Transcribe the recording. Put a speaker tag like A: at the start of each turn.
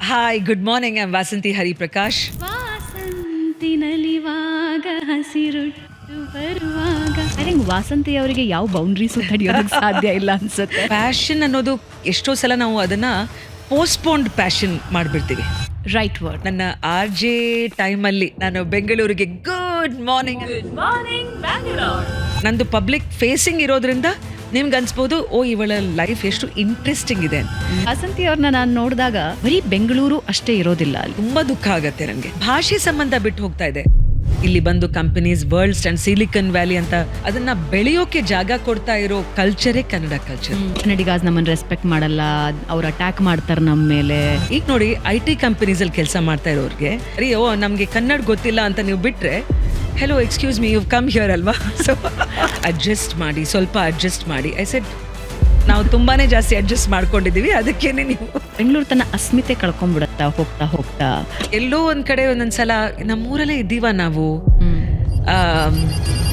A: Hi, good morning. I Vasanthi Hariprakash.
B: Vasanthi ನಲಿವಾಗ ಹಸಿರುಟ್ಟು ಬರುವಾಗ ಐ ಥಿಂಕ್ ವಾಸಂತಿ ಅವರಿಗೆ ಯಾವ ಬೌಂಡ್ರೀಸು ತಡೆಯೋದಕ್ಕೆ ಸಾಧ್ಯ ಇಲ್ಲ ಅನ್ಸುತ್ತೆ.
A: ಪ್ಯಾಷನ್ ಅನ್ನೋದು ಎಷ್ಟೋ ಸಲ ನಾವು ಅದನ್ನ ಪೋಸ್ಟ್ಪೋನ್ಡ್ ಪ್ಯಾಷನ್ ಮಾಡಿಬಿಡ್ತೀವಿ.
B: Right word.
A: ನನ್ನ RJ ಟೈಮಲ್ಲಿ ನಾನು ಬೆಂಗಳೂರಿಗೆ ಗುಡ್ ಮಾರ್ನಿಂಗ್ ನಂದು ಪಬ್ಲಿಕ್ ಫೇಸಿಂಗ್ ಇರೋದ್ರಿಂದ ನಿಮ್ಗೆ ಅನ್ಸ್ಬೋದು, ಓ ಇವಳ ಲೈಫ್ ಎಷ್ಟು ಇಂಟ್ರೆಸ್ಟಿಂಗ್ ಇದೆ.
B: ವಾಸಂತಿ ಅವ್ರನ್ನ ನಾನು ನೋಡಿದಾಗ ಬರೀ ಬೆಂಗಳೂರು ಅಷ್ಟೇ ಇರೋದಿಲ್ಲ ಅಲ್ಲಿ.
A: ತುಂಬಾ ದುಃಖ ಆಗತ್ತೆ ನನಗೆ. ಭಾಷೆ ಸಂಬಂಧ ಬಿಟ್ಟು ಹೋಗ್ತಾ ಇದೆ. ಇಲ್ಲಿ ಬಂದು companies worlds and silicon valley ಅಂತ ಅದನ್ನ ಬೆಳೆಯೋಕೆ ಜಾಗ ಕೊಡ್ತಾ ಇರೋ ಕಲ್ಚರೇ ಕನ್ನಡ ಕಲ್ಚರ್.
B: ಕನ್ನಡಿಗಾಸ್ ನಮ್ಮನ್ನ ರೆಸ್ಪೆಕ್ಟ್ ಮಾಡಲ್ಲ, ಅವ್ರು ಅಟ್ಯಾಕ್ ಮಾಡ್ತಾರೆ ನಮ್ಮ ಮೇಲೆ.
A: ಈಗ ನೋಡಿ, IT ಕಂಪನೀಸ್ ಅಲ್ಲಿ ಕೆಲಸ ಮಾಡ್ತಾ ಇರೋರಿಗೆ ಅಯ್ಯೋ ನಮ್ಗೆ ಕನ್ನಡ ಗೊತ್ತಿಲ್ಲ ಅಂತ ನೀವು ಬಿಟ್ರೆ, hello excuse me, you come here ಅಲ್ವಾ, ಸೊ ಅಡ್ಜಸ್ಟ್ ಮಾಡಿ, ಸ್ವಲ್ಪ ಅಡ್ಜಸ್ಟ್ ಮಾಡಿ. ಐ ಸೆಡ್ ನಾವು ತುಂಬಾನೇ ಜಾಸ್ತಿ ಅಡ್ಜಸ್ಟ್ ಮಾಡ್ಕೊಂಡಿದೀವಿ, ಅದಕ್ಕೇನೆ ನೀವು.
B: ಬೆಂಗಳೂರು ತನ್ನ ಅಸ್ಮಿತೆ ಕಳ್ಕೊಂಡ್ಬಿಡತ್ತಾ ಹೋಗ್ತಾ ಹೋಗ್ತಾ.
A: ಎಲ್ಲೋ ಒಂದ್ ಕಡೆ ಒಂದೊಂದ್ಸಲ ನಮ್ಮೂರಲ್ಲೇ ಇದ್ದೀವ ನಾವು,